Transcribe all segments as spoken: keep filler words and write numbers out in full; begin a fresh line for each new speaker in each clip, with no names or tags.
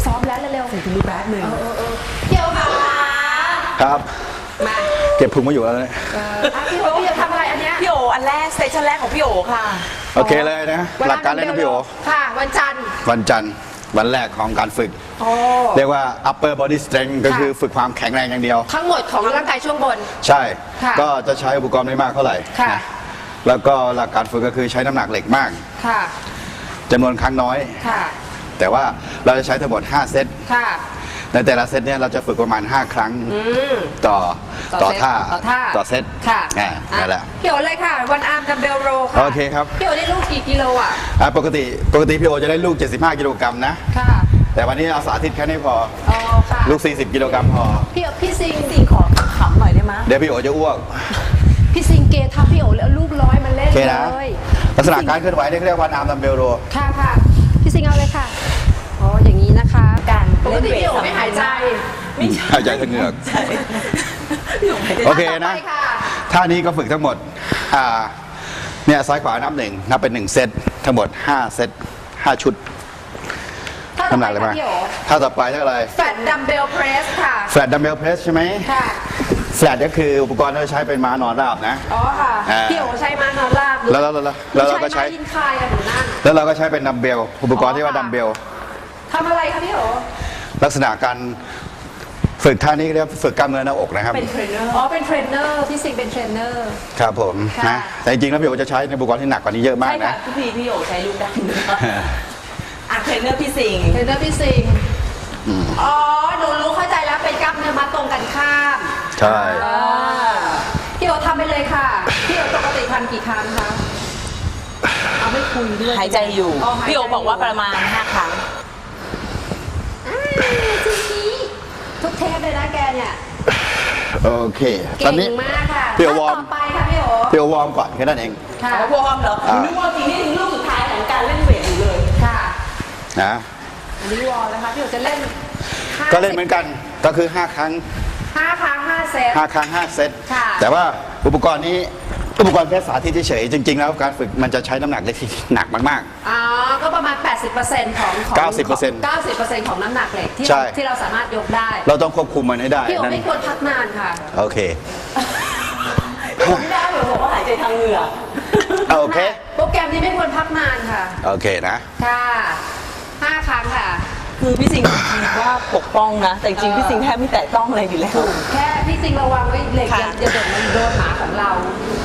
ซ้อมแล้วเร็วๆถึงมีแป๊บหนึ่งเดี๋ยวค่ะ
ครับ
มา
เก็บพุงมาอยู่แล้วเนี่ย
พี่โอจะทำอะไรอันเนี้ย
พี่โออันแรกสเตชันแรกของพี่โอค่ะ
โอเคเลยนะหลักการเล่นของพี่โอ
ค่ะวันจันทร์
วันจันทร์วันแรกของการฝึกเรียกว่า upper body strength ก็คือฝึกความแข็งแรงอย่างเดียว
ทั้งหมดของร่างกายช่วงบน
ใช่ก็จะใช้อุปกรณ์ไม่มากเท่าไหร่แล้วก็หลักการฝึกก็คือใช้น้ำหนักเหล็กมากจำนวนครั้งน้อยแต่ว่าเราจะใช้ทั้งหมดห้าเซตในแต่ละเซตเนี่ยเราจะฝึกประมาณห้าครั้งต่อต่อท่าต่อเซต
ค่ะ
นั่นแหละ
พี่โอเลยค่ะวันอาร์มดัมเบลโรค่ะ
โอเคครับ
พี่โอได้ลูกกี่กิโลอ่ะ
ปกติปกติพี่โอจะได้ลูกเจ็ดสิบห้ากิโลกรัมนะ
ค่ะ
แต่วันนี้เอาสาธิตแค่นี้พอลูกสี่สิบกิโลกรัมพอ
พี่พี่ซิง
ซิงขอขำหน่อยได้ไหม
เดี๋ยวพี่โอจะอ้วก
พี่ซิงเกทับพี่โอแล้วลูกร้อยมันเล่นเลย
ลักษณะการเคลื่อนไหวเรียกว่าวันอาร์มดัมเบลโร
ค่ะค่ะพี่ซิงเอาเลยค่ะอ๋ออย่างนี้นะคะ
การ
เล่นเวทไม่หายใจ
ไม่ใช่
หายใจทั้งเหงือกโอเคนะท่านี้ก็ฝึกทั้งหมดอ่าเนี่ยซ้ายขวานับหนึ่งนับเป็นหนึ่งเซตทั้งหมดห้าเซตห้าชุดน้ำหนักอะไรบ้างท่าต่อไปเท่าไหร่
แฟลตดัมเบลเพรสค่ะ
แฟลตดัมเบลเพรสใช่ไหม
ค่ะ
แฟลตก็คืออุปกรณ์ที่เราใช้เป็นม้านอนราบนะ
อ๋อค่ะพี่โอใช้ม้านอนราบ
แล้วแล้วแล้วเราก็ใช้
ยินคายอะหนูนั่น
แล้วเราก็ใช้เป็นดัมเบลอุปกรณ์ที่ว่าดัมเบล
ทำอะไรคะพี่โอ
ลักษณะการฝึกท่านี้เรียกฝึกกล้ามเนื้อหน้าอกนะครับ
เป็นเทรนเนอร์อ๋อเป็นเทรนเนอร์ที่สิงเป็นเทรนเนอร์
ครับผมนะแต่จริงๆแล้วพี่โอจะใช้ในอุปกรณ์ที่หนักกว่านี้เยอะมากนะ
ทุกทีพี่โอใช้ลูกดัมเบลอ่ะเทรนเนอร์พี่สิง
เทรนเนอร์พี่สิงอ๋อหนูรู้เข้าใจแล้วเป็นกล้ามเนื้อมัดตรงกันข้าม
ใช่
พี่โอทำไปเลยค่ะพี่โอปกติทำกี่ครั้งคะเอาไม่คุยด้วย
หายใจอยู่พี่โอบอกว่าประมาณห้าครั้ง
ทุกเทปเลยนะแกเนี่ย
โอเคตอนนี้
มากค่ะ
พี่โอวอร์ม
ไปค่ะพี่โอ
พี่โอวอร์มก่อนแค่นั้นเอง
ค่ะวอร์มเหรอนึกว่าทีนี้ถึงลูกสุดท้ายของการเล่นเวทอยู่เลย
ค่ะ
นะ
อันนี้วอร์มนะคะพี่โอจะเล่น
ก็เล่นเหมือนกันก็คือห้าครั้ง
ห้าครั้งห้าเซต
ห้าครั้งห้าเซตแต่ว่าอุปกรณ์นี้อุปกรณ์แค่สาธิตเฉยๆจริงๆแล้วการฝึกมันจะใช้น้ำหนักเหล็กที่หนักมาก
ๆอ๋อก็ประมาณ แปดสิบเปอร์เซ็นต์ ของ
เก้าสิบเปอร์เซ็นต์
เก้าสิบเปอร์เซ็นต์ ของน้ำหนักเหล็กที่ที่เราสามารถยกได้
เราต้องควบคุมมันให้ได้
พี่โอไม่ควรพักนานค่ะ
โอเค
ผมไม่ได้เหมือนบอกว่าหายใจทางเหงือก
โอเค
โปรแกรมนี้ไม่ควรพักนานค่ะ
โอเคนะ
ค่ะห้าครั้งค่ะ
คือพี่สิงห์คิดว่าปกป้องนะแต่จริงพี่สิงห์แทบไม่แตะต้องอะไรอยู่แล้ว
แค่พี่สิงห์ระวังไว้เหล็กอย่าโดนมันโดนหมาของเรา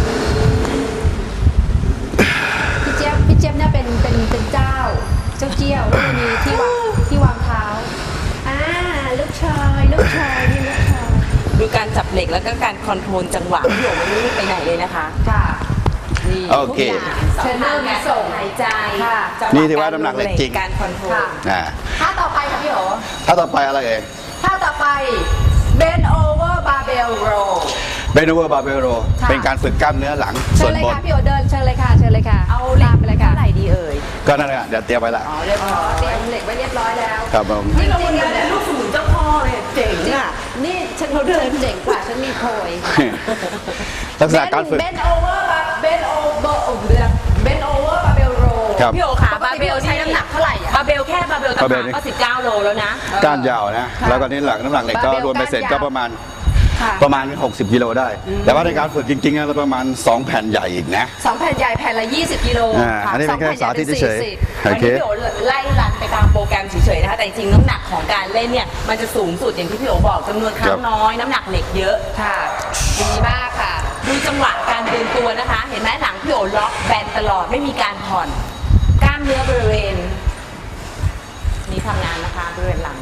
พี่เจี๊ยบพี่เจี๊ยบเนี่ยเป็นเป็นเป็นเจ้าเจ้าเจี้ยวแล้วมีที่วางที่วางเท้าอ่าลูกชายลูกชายนี่ลูกชาย
ดูการจับเหล็กแล้วก็การคอนโทรลจังหวะพี่โอไม่ได้ไปไหนเลยนะคะ
ค่ะ
โอเค
เทรนเนอร์มีส่งหายใจ
นี่ถือว่าน้ำหนักเหล็กจริง
การคอนโทรล
ท่าต่อไปค่ะพี่โอ
ท่าต่อไปอะไรเอ่ย
ท่าต่อไป bend over barbell row
bend over barbell row เป็นการฝึกกล้ามเนื้อหลังส่วนบน
พี่โอเดินเชิญเลยค่ะเชิญเลยค่ะ
เอาเหล็กไปเลยค่ะเท่าไหร่ดีเอ่ย
ก็นั่นแหละเดี๋ยวเตรียมไว้ละ
อ๋อเรียบร้อยเตรียมเหล็กไว้เรียบร้อยแล้ว
ครับผม
นี่เราเป็นการลูกสมุนเจ้าพ่อเลยเจ๋งอ่ะ
นี่ฉันเขาเดินเจ๋งกว่าฉันมีโพย
ลักษณะการฝึก
bend over bend over bend over barbell row
พี่โอขาบาร์เบลใช้น้ำหนักเท่าไหร่บาร์เบลแค่บาร์เบลต่างก็สิบเก้าโลแล้วนะ
ก้านยาวนะแล้วก็นี่หลักน้ำหนักเหล็กก็รวมไปเสร็จก็ประมาณประมาณหกสิบกิโลได้แต่ว่าในการฝึกจริงๆเราประมาณสองแผ่นใหญ่อีกนะ
สองแผ่นใหญ่แผ่นละยี่สิบกิโล
อันนี้เป็นแค่สาธิตเฉย
ๆอันนี้พี่โอไล่รันไปตามโปรแกรมเฉยๆนะคะแต่จริงๆน้ำหนักของการเล่นเนี่ยมันจะสูงสุดอย่างที่พี่โอบอกจำนวนครั้งน้อยน้ำหนักเหล็กเยอะ
ค่ะดีมากค่ะ
ดูจังหวะการเดินตัวนะคะเห็นไหมหลังพี่โอล็อกแบนตลอดไม่มีการผ่อนกล้ามเนื้อบริเวณนี้ทำงานนะคะบริเวณหลัง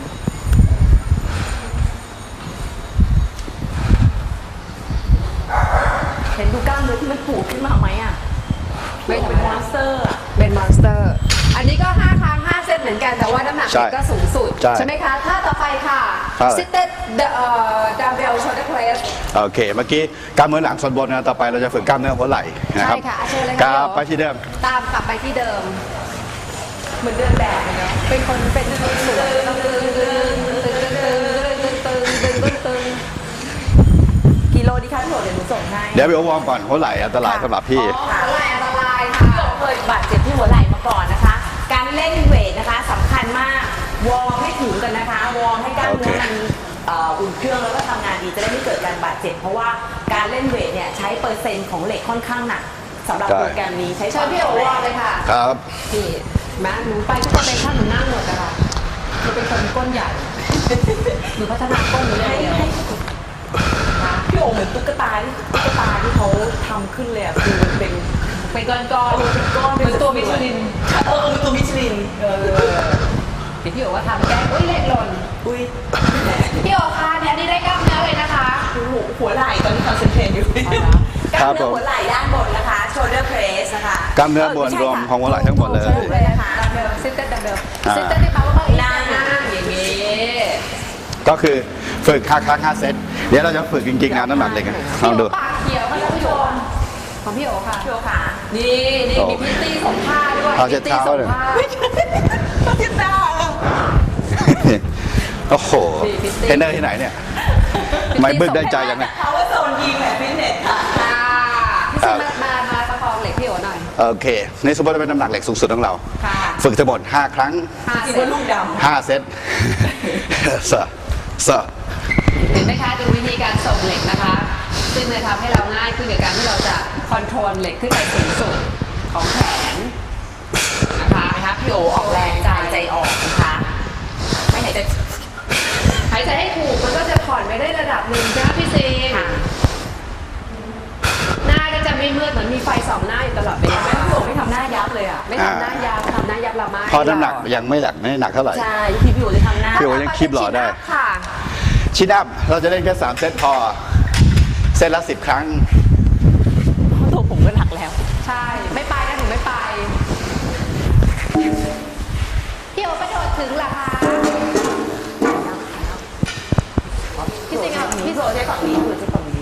เห็นดูกล้ามเนื้อที่มันปูดขึ้นมาไหมอ่ะเป็นมอนสเตอร์
เป็นมอนสเตอร์อันนี้ก็ห้าครั้งห้าเซตเหมือนกันแต่ว่าน้ำหนักก็สูงสุดใช่ไหมคะท่าต่อไปค่ะ seated dumbbell shoulder press
โอเคเมื่อกี้กล้ามเนื้อหลังส่วนบนนะต่อไปเราจะฝึกกล้ามเนื้อหัวไหล่นะครับ
ใช่ค่ะเชิญเลย
ค่ะกลับไปที่เดิม
ตามกลับไปที่เดิมเหมือนเดินแบบเลยเนาะเป็นคนเป็นคนสวยต้องตึงตึงตึงตึงตึงตึงตึงตึง
กิโลดิคะพี่โอเดี๋ยวหนูส่งให้
เดี๋ยวไปวอร์มก่อนหัวไหล่อันตรายสำหรับพี่
หัวไหล่อันตรายค่ะ
พี่โอเคยบาดเจ็บที่หัวไหล่มาก่อนนะคะการเล่นเวทนะคะสำคัญมากวอร์มให้ถึงกันนะคะวอร์มให้กล้ามเนื้อ
โอเค
มันเอ่ออุ่นเครื่องแล้วก็ทำงานดีจะได้ไม่เกิดการบาดเจ็บเพราะว่าการเล่นเวทเนี่ยใช้เปอร์เซ็นต์ของเหล็กค่อนข้างหนักสำหรับโปรแกรมนี้ใช้
เชิญพี่โอวอร์มเลยค่ะ
ครับ
นี่มาหนูไปทุกคนเลยค่ะหนูนั่งหมดอะค่ะหนูเป็นคนก้นใหญ่ หนูพัฒนาก้นหนูอย่าง
ให้
เดียว
ให้พี่โอเหมือนตุ๊กตาที่ตุ๊กตาที่เขาทำขึ้นเลยอ่ะคือมันเป็น
เป็นก้อนก้อน
เป็นก้อน
เป็นตัวมิชลิน
เออเป็นตัวมิชลินเออ
เดี๋ยวพี่โอว่าทำแก้อุ้ยเล็กหล่น
อุ้ย
พี่โอคะเนี่ยนี่ได้กล้ามเนื้อเลยนะคะ
หัวหัวไหล่ตอนนี้คอนเซนเทรตอยู่
อ๋อเหรอ
กล้ามเนื้อหัวไหล่ด้านบนนะคะ shoulder press นะคะ
กล้ามเนื้อบนรวมของหัวไหล่ทั้งหมดเลย
ถูกเลยนะคะ
ดัมเบลซิสเตอร์ดัมเบล
อ่า
ซิสเตอร์ได้ปะว่าบางอีก
นั่
นั่
ง
งอย่างนี้
ก็คือฝึกห้าครั้งห้าเซตเดี๋ยวเราจะฝึกจริงๆงานน้ำหนักเลยกันลองดู
ปากเขียวค่ะท่านผู้ชมของพี่โอค่ะ
พี่โอค่ะ
นี่นี่มีพิตตี้ส่งผ้าด้วย
เอาเช็ดเท้า
พิตตี้ส่ง
เลย
ผ้า
พี่ตา
โอ้โห
ดีฟิตติ้ง
เทรนเนอร์ที่ไหนเนี่ยไม่บึกได้ใจยังไง
เขาว่าโซนยิมแบบฟิตเนสค่ะ
อ่าพี่ซิมามามาประคองเหล็กพี่โอหน่อย
โอเคในสมมติว่าเป็นน้ำหนักเหล็กสูงสุดของเรา
ค่ะ
ฝึกทั้งหมดห้าครั้ง
ห้า
จริง
เซ
ว่า
ต
ลูกด
ห้าเซต เสอะเสอะ
เห็นไหมคะดูวิธีการส่งเหล็กนะคะ ซึ่งจะทำให้เราง่ายขึ้นกับการที่เราจะคอนโทรลเหล็กขึ้นไปสูงสุดของแขนนะคะนะคะพี่โอออกแรง
ำ
ใจ
ใจใจออกนะคะไม่ไหนจะ
หายใจให้ถูกมันก็จะผ่อนไปได้ระดับหนึ่งใช่ไหมพี่ซีน
ค่ะ
หน้าก็จะไม่มืดเหมือนมีไฟส่องหน้าอยู่ตลอดเวลา
แม่พี่โอไม่ทำหน้ายับเลยอ่ะ
ไม่ทำหน้ายาวทำหน้ายับละไม้
เพราะน้ำหนักยังไม่หนักไม่หนักเท่าไหร่
ใช่พี่พี่โอจะทำหน้า
พี่โอยังคีบหล่อได้
ค่ะ
ชิดอัพเราจะเล่นแค่สามเซตพอ เซตละสิบครั้ง
ตัวผมก็หนักแล้ว
ใช่ ไม่ไปนะหนูไม่ไป พี่โอกระโดดถึงเหรอคะพี่สิงห์
พี่
พี่
โอ
โอ
ใช้ฝั่งนี้คือจะฝั่งนี้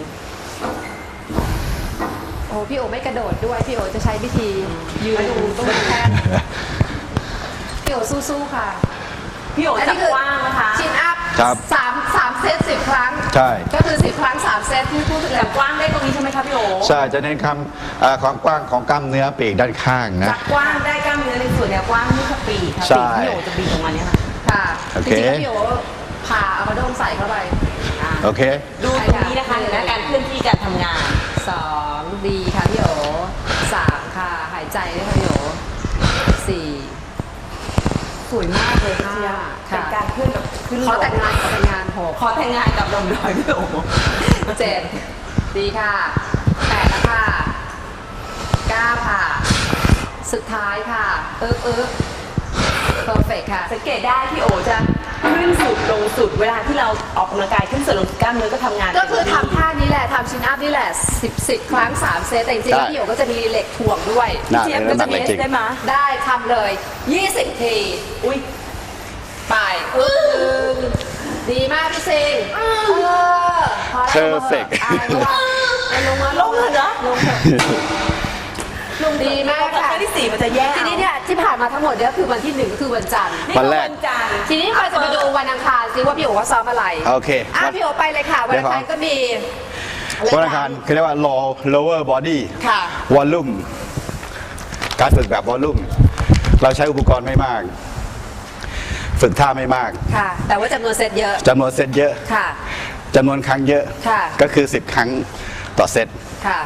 โอ้พี่โอไม่กระโดดด้วย พี่โอจะใช้วิธียืนดูต้นแท่นพี่โอสู้ๆค่ะ
พี่โอ
อัน
จะ
นี้คือก
ว้างนะคะ
ชินอัพ
ครับ
สามสามเซตสิบครั้ง
ใช่
ก็คือสิบครั้งสามเซตที่พูดถึง
แต่
แล้ว
กว้างได้ตรงนี้ใช่ไหมคะพี่โอ
ใช่จะเน้นคำเอ่อความกว้างของกล้ามเนื้อปีกด้านข้างนะ
จากกว้างได้กล้ามเนื้อในส่วนเนี้ยกว้างนี่คือปีกค่ะ
ใช่
ปีกพี่โอจะบีบออกมาเนี้ยค่ะ
ค่ะ
โอ
จ
เค
ริงๆแล้วพี่โอผ่าเอามาโดมใส่เข้าไป
อ่า
โอเค
ดูตรงนี้นะคะเห็นไหมการเคลื่อนที่การทำงาน
สองดีค่ะพี่โอสามค่ะ หายใจด้วยค่ะพี่โอสี่
สวยมากเลยค่ะเป็นการเคลื่อนแบบขึ้นล
เขาแต่งงานเขาแต่งงานหก
ขอแต่งงานกับลมดอยพี่โอ
เจ็ดดีค่ะแปดแล้วค่ะเก้าค่ะ สุดท้ายค่ะเอิ๊กเอิ๊กเพอร์เฟกค่ะ
สังเกตได้พี่โอจะขึ้นสุดลงสุดเวลาที่เราออกกำลังกายขึ้นสุดลงสุดกล้ามเนื้อก็ทำงาน
ก็คือทำท่านี้แหละทำชินอัพนี่แหละสิบสิบครั้งสามเซตแต่จริงๆแล้ว
ใช่
พี่โอก็จะมีเหล็กถ่วงด้วย
น่า
เจี๊ยบ
เป็น
ก็
น้ำหนั
จะ
ก
มี
เหล็กจริง
ได้ไหม
ได้ทำเลยยี่สิบที
อุ้ย
ไปอึ้งดีมากพี่ซิงเออพอแล้ว
Perfect
อ่ะลงมาลงมา
ลงเลยเหรอ
ลงเถอะลงดีมาก
ครั้
ค่ะ
งที่สี่มันจะแย่
ทีนี้เนี่ยที่ผ่านมาทั้งหมดเนี่ยคือวันที่หนึ่งก็คือวันจันทร์
นี่
วันแรก
วันจันทร์
ทีนี้เราจะมาดูวันอังคารซิว่าพี่โอ๋ว่าซ้อมอะไร
โอเค
อ่ะ
วัน
พี่โอ๋ไปเลยค่ะ วันอังคารก็มี
วันอังคารเขาเรียกว่า low lower body
ค่ะ
volume การฝึกแบบ volume เราใช้อุปกรณ์ไม่มาก ฝึกท่าไม่มาก
ค่ะ แต่ว่าจำนวนเซตเยอะ
จำนวนเซตเยอะ
ค่ะ
จำนวนครั้งเยอะ
ค่ะ
ก็คือสิบครั้งต่อเซต
ค่ะ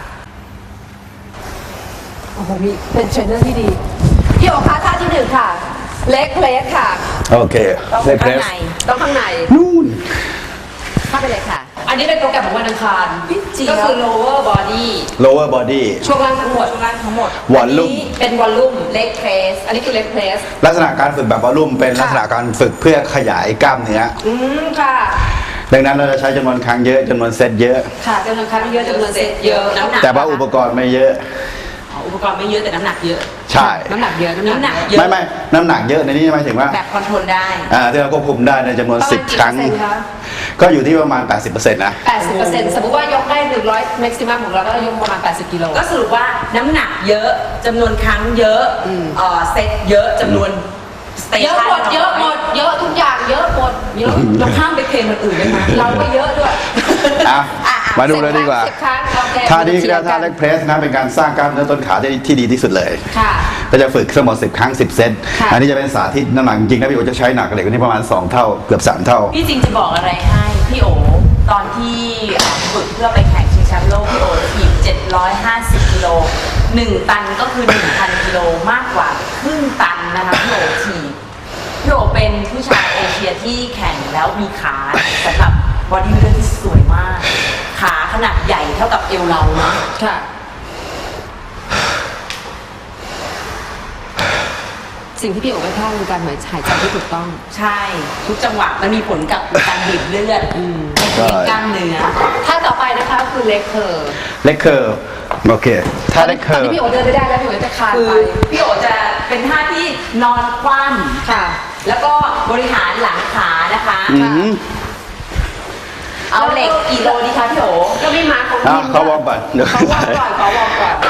โอ้โหมีเป็นเทรนเนอร์ที่ดี พี่โอ๋คะท่าที่หนึ่งค่ะ เล็กเพลสค่ะ
โอเค
ต้อง
เล็กเพร
ข้าง
ส
ใน
ต้องข้างใน
นู่น
เข้าไปเลยค่ะ อันนี้เป็นโปรแกรมของวันอังคาร
จริง
ก็
เหรอ
คือ lower body
lower body
ช่วงล่างทั้งหมด
ช่วงล่างทั้งหมด
volume
เป็นวอลลุ่มเล็กเพรสอันนี้คือเล็กเพรส
ลักษณะการฝึกแบบ volume เป็นลักษณะการฝึกเพื่อขยายกล้ามเนื้อ
อืมค่ะ
ดังนั้นเราจะใช้จำนวนครั้งเยอะจำนวนเซตเยอะ
ค่ะจำนวนครั้งเยอะจำนวนเซตเยอะ
น้ำหนัก
แต่ว่าอุปกรณ์ไม่เยอะ
อ๋ออุปกรณ์ไม่เยอะแต่น้ำหนักเยอะ
ใช่
น้ำหนักเยอะ
น้ำหนักเยอะ
ไม่ไม่น้ำหนักเยอะในนี้หมายถึงว่า
แบบคอนโทรลได้
อ่าที่เราควบคุมได้ในจำนวน
ประมาณ
สิบ
กี่
ครั้ง
เปอร์เซ็นต์คะ
ก็อยู่ที่ประมาณ แปดสิบเปอร์เซ็นต์ นะ
แปดสิบเปอร์เซ็นต์สมมติว่ายกได้หนึ่งร้อย maximum ของเราก็ยกประมาณแปดสิบกิโล
ก็สรุปว่าน้ำหนักเยอะจำนวนครั้งเยอะเอ่อเซตเยอะจำนวนสเต
เยอะ
ชัน
หมดเยอะหมดเยอะทุกอย่างเยอะหมดเยอะ
เราข้ามไปเพลงคนอื่นได้ไหม
เราก็เยอะด้วย
อ่ะ มาดูเลยดีกว่า
สิบครั้งโอแก้
ท่านี้
มือ
เรียก
เชียร์กั
ท่าน เล็กเพรสนะเป็นการสร้างกล้ามเนื้อต้นขาได้ที่ดีที่สุดเลย
ค่ะ
ก็จะฝึกทั้งหมดสิบครั้งสิบเซต
ค่ะ
อันนี้จะเป็นสาธิตน้ำหนักจริงๆนะพี่โอจะใช้หนักกว่าเหล็กอันนี้ประมาณสองเท่าเกือบสามเท่า
พี่จริงจะบอกอะไรให้พี่โอตอนที่ฝึกเพื่อไปแข่งชิงแชมป์โลกพี่โอถีบเจ็ดร้อยห้าสิบกิโลหนึ่งตันก็คือ หนึ่งพันกิโลมากกว่าครึ่งตันนะคะพี่โอถีบพี่โอเป็นผู้ชายเอเชียที่แข่งแล้วมีขาสำหรับบอดี้บิลเดอร์ที่สวยมาก ขาขนาดใหญ่เท่ากับเอวเราเนาะ
ค่ะ สิ่งที่พี่โอ๋ไปท่องคือการหายใจที่ถูกต้อง
ใช่ ทุกจังหวะมันมีผลกับการบีบเลือด
ใช่
กล้ามเนื้อ
ท่าต่อไปนะคะคือเล็กเคอร์
เล็กเคอร์โอเคถ้าเล็กเค
ตอ
อน ร์
ที่พี่โอ๋เดินไม่ได้แล้วพี่โอ๋จะคลาน
คือ
ไป
พี่โอจะเป็นท่าที่นอนคว่
ค่ะ
ำแล้วก็บริหารหลังขานะคะ
อืม
เอาเหล็กกี่โลดีคะพี่โอ
ก็ไม่มาของ
อ่ะ
นิ่ม
เขาวอร์มก่อนเดี๋ยว
เขาวอร์มก่อนเขาวอร์มก่อน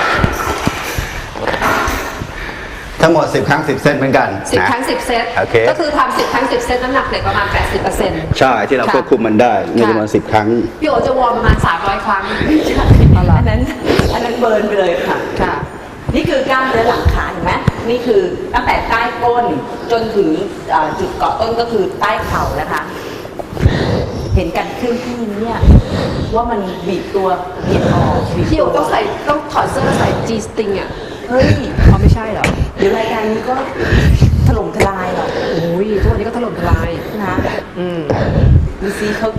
ทั้งหมดสิบครั้งสิบเซตเหมือนกัน
สิบ
นะ
ครั้งสิบเซต
โอเค
ก็คือทำสิบครั้งสิบเซตน้ำหนักเหล็กประมาณแปดสิบเปอร์เซ็นต์
ใช่ที่เราควบคุมมันได้ในจำนวนสิบครั้ง
พี่โอ๋จะวอร์มประมาณสามร้อยครั้ง
อันนั้นอันนั้นเบิร์นไปเลยค่ะ
ค่ะ
นี่คือกล้ามเนื้อหลังขาเห็นไหมนี่คือตั้งแต่ใต้ก้นจนถึงเอ่อจุดเกาะต้นก็คือใต้เข่านะคะ เห็นกันขึ้นที่เนี่ยว่ามันบีบตัวเบียดออกบีบ
พี่โอ๋
ตัว
ต้องใส่ต้องถอดเสื้อใส่ G string อ่ะ
เฮ้ย
เขาไม่ใช่เหรอ
เดี๋ยวรายการนี้ก็ถล่มทลายหรอก
โอ้ยทุกวันนี้ก็ถล่มทลาย
นะ
อืม
ดูซิเขา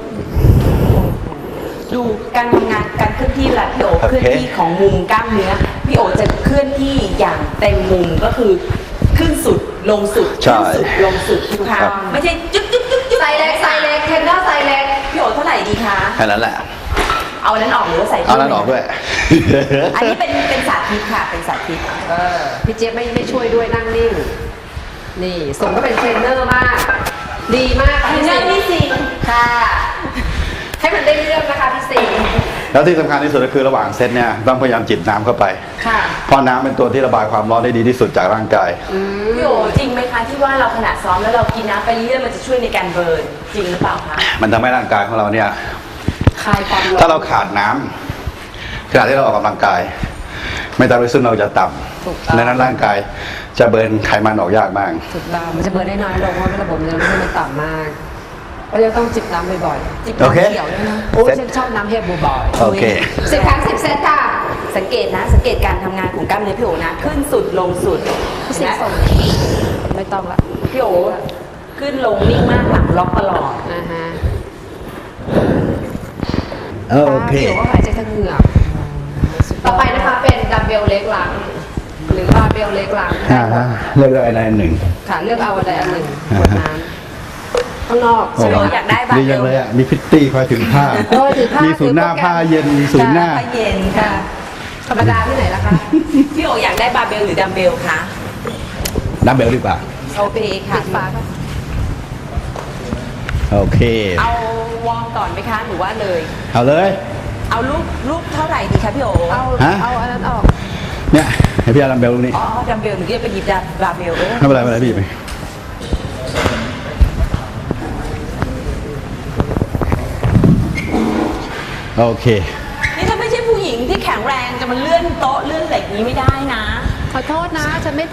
ดูการทำงานการเคลื่อนที่เวลาพี่โอ
โอเค
เคลื่อนที่ของมุมกล้ามเนื้อพี่โอจะเคลื่อนที่อย่างเต็มมุมก็คือขึ้นสุดลงสุด
ใช่
ขึ้นสุดลงสุดทุกครั้ง
ครับ
ไม่ใช่จุ๊บจุ๊บจุ๊บจุ๊บ
ใส่เล็กใส่เล็กเทรนเนอร์ใส่เล็ก
พี่โอเท่าไหร่ดีคะ
แค่นั้นแหละ
เอาอันนั้นออกหรือว่าใส่
เอานั้นออกด้วย
อันนี้เป็นเป็นสาธิตค่ะเป็นสาธิต
เออพี่เจี๊ยบไม่ไม่ช่วยด้วยนั่งนิ่ง นี่สมก็เป็นเทรนเนอร์มาก ดีมาก
เทรนเนอร์พี่สิง
ค่ะ ให้มันได้เรื่องนะคะพี่สิงห์
แล้วที่สำคัญที่สุดก็คือระหว่างเซตเนี่ยต้องพยายามจิบน้ำเข้าไป
ค่ะ
เพราะน้ำเป็นตัวที่ระบายความร้อนได้ดีที่สุดจากร่างกาย
พี่โอจริงไหมคะที่ว่าเราขณะซ้อมแล้วเรากินน้ำไปเรื่อยๆมันจะช่วยในการเบิร์นจริงหรือเปล่าคะ
มันทำให้ร่างกายของเราเนี่ย
คลายความร้อน
ถ้าเราขาดน้ำขณะที่เราออกกำลังกายเมตาบอลิซึมเราจะต่
ถูกต้อง
ำดังนั้นร่างกายจะเบิร์นไขมันออกยากมาก
ถูกต้องมันจะเบิร์นได้น้อยลงเพราะระบบเลือดมันต่ำมากก็จะต้องจิบน้ำบ่อยๆจิบ
โอเค
น้ำเขียวด้วยนะโอ้ย
เซ็ต
ฉันชอบน้ำเฮบบ่อย
โอเค
สิบครั้งสิบเซตค่ะ
สังเกตนะสังเกตการทำงานของกล้ามเนื้อพี่โอนะขึ้นสุดลงสุด
พี่สิง
นะ
ห์ส่งไม่ต้องละ
พี่โอขึ้นลงนิ่งมากหลังล็อกตลอด
อ่าฮะ
โอเค
พี่โอ๋ก็หายใจทางเหงือกต่อไปนะคะเป็นดัมเบลเล็กหลัง หรือบาร์เบลเล็กหลัง
อ่าฮะเลือกได้อันใดอันหนึ่ง
ค่ะเลือกเอาอันใดอันหนึ่งบนน้ำข้างนอก
โอ้
ใช่ไหม
โห
คะ
อยากได้บาร์
ดี
เบ
จัง
ล
เลยอ่ะ มีพิตตี้คอยถึงผ้า
โอ้ยถือผ้า
มีศูนย์หน้า
ถือโปรแกรม
ผ้าเย็นมีศูนย์หน้า
ผ้าเย็น
ค่ะ
ค่ะ
ธรรมดาที่ไหนล่ะคะ
พี่โออยากได้บาร์เบลหรือดัมเบลคะ
ดัมเบลดีกว่า
โอเคค่ะ
ปิดฟ้าค่ะ
โอเค
เอาวอร์มก่อนไหมคะหรือว่าเลย
เอาเลย
เอาลูกลูกเท่าไหร่ดีคะพี่โอ
เอา
ฮะ
เอาอันนั้นออก
เนี่ยให้พี่เอาดัมเบลตรงนี้
อ๋อดัมเบลหนูเรียกไปหยิบดัมบาร์เบลเออ
ไม่เป็นไรไม่เป็นไรพี่ไปโอเค
นี่ถ้าไม่ใช่ผู้หญิงที่แข็งแรงจะมาเลื่อนโต๊ะเลื่อนเหล็กนี้ไม่ได้นะ
ขอโทษนะ ฉันไม่ท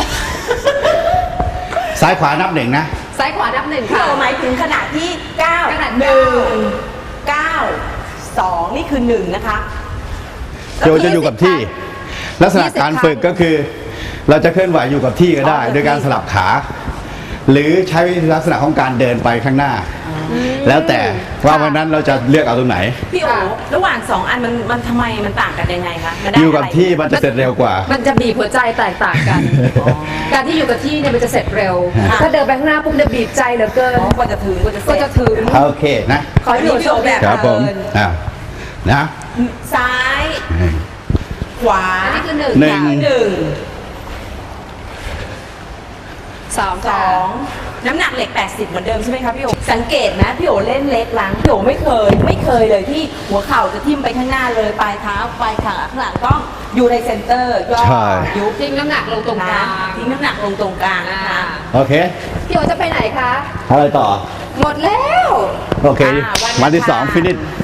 ซ้ายขวานับหนึ่งนะ
ำซ้ายขวานับหนึ่ง
พี่
ค่ะ
โอหมายถึงขนาดที่เก้า
ขนาด
หนึ่งเก้าสองนี่คือหนึ่งนะคะ
โยจะอยู่กับที่ ลักษณะการฝึกก็คือ เราจะเคลื่อนไหวอยู่กับที่ก็ได้ โดยการสลับขา หรือใช้ลักษณะของการเดินไปข้างหน้า แล้วแต่ว่าวันนั้นเราจะเลือกเอาตรงไหน
พี่โอระหว่างสองอันมันมันทำไมมันต่างกันยังไงคะมันได้
อยู่กับ
ะไร
ที่มันจะเสร็จเร็วกว่า
มันจะบีบหัวใจแตกต่างกัน การที่อยู่กับที่เนี่ยมันจะเสร็จเร็ว
ค่ะ
ถ้าเดินไปข้างหน้าปุ๊บเนี่ยบีบใจเหลือเกิน
อ๋อกว่าจะถึงกว่าจะเส
ก็
ร็จ
จะถึง
โอเคนะ
ขอให้พี่โอ๋โชคดี
ครับผม
เดิน
อ่านะ
ซ้าย ขวา
อันนี้คือหนึ่ง
หนึ่ง
ค่ะ
หนึ่ง
สอง
ส
ค่ะ
องน้ำหนักเหล็ก แปดสิบ เหมือนเดิมใช่ไหมคะพี่โอสังเกตนะพี่โอเล่นเล็กล้างพี่โอไม่เคย ไม่เคยเลยที่หัวเข่าจะทิ่มไปข้างหน้าเลยปลายเท้าปลายขาข้างหลังต้องอยู่ในเซนเตอร์ย่อ
ใช่
ยุบ
ทิ้งน้ำหนักลงตรงก
นะ
ลาง
ทิ้งน้ำหนักลงตรงกลาง
อ่า
นะคะ
โอเค
พี่โอจะไปไหนคะ
อะไรต่อ
หมดแล้ว
โอเค
อ่า
วันที่
อังคาร
สองฟินิช